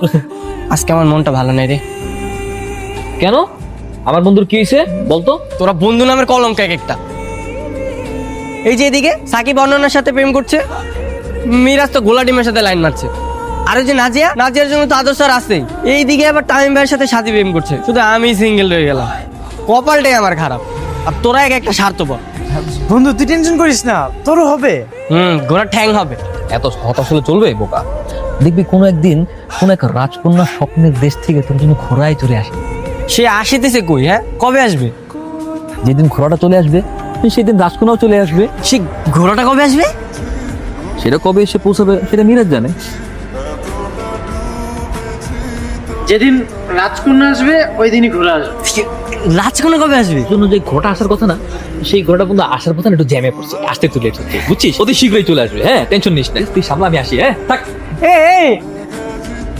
আজকে আমার মনটা ভালো নেই রে। কেন? আমার বন্ধুর কি হয়েছে বলতো? তোরা বন্ধু নামের কলঙ্ক এক একটা। এই যে এদিকে সাকিব অনন্যার সাথে প্রেম করছে, মিরাজ তো গোলা ডিমের সাথে লাইন মারছে, আর ওই যে নাজিয়ার জন্য তো আদর্শ আর আছেই। এইদিকে আবার তামিম ভাইয়ের সাথে সাথী প্রেম করছে, শুধু আমি সিঙ্গেল রয়ে গেলাম। কপালটাই আমার খারাপ, আর তোরা এক একটা স্বার্থপর। বন্ধু তুই টেনশন করিস না, তোরও হবে। ঘোড়ার ঠ্যাং হবে। এত হতাশ হলে চলবে বোকা? দেখবি কোনো একদিন কোন এক রাজকন্যা স্বপ্নের দেশ থেকে তোর জন্য ঘোড়ায় চলে আসে। সে আসিতেছে কই? হ্যাঁ, কবে আসবে? যেদিন ঘোড়াটা চলে আসবে সেদিন রাজকন্যাও চলে আসবে। সে ঘোড়াটা কবে আসবে? সেটা কবে এসে পৌঁছাবে সেটা মিরাজ জানে। যেদিন রাজকন্যা আসবে ওই দিনই ঘুরে আসবে। রাজকন্যা কবে আসবে? জন্য যে ঘোড়াটা আসার কথা না, সেই ঘোড়াটা কিন্তু আসার কথা না, একটু জ্যামে পড়ছে, আসতে একটু লেট হচ্ছে, বুঝছিস? অতি শীঘ্রই চলে আসবে। হ্যাঁ, টেনশন নিস না, তুই সামলা, আমি আসি। হ্যাঁ থাক। এই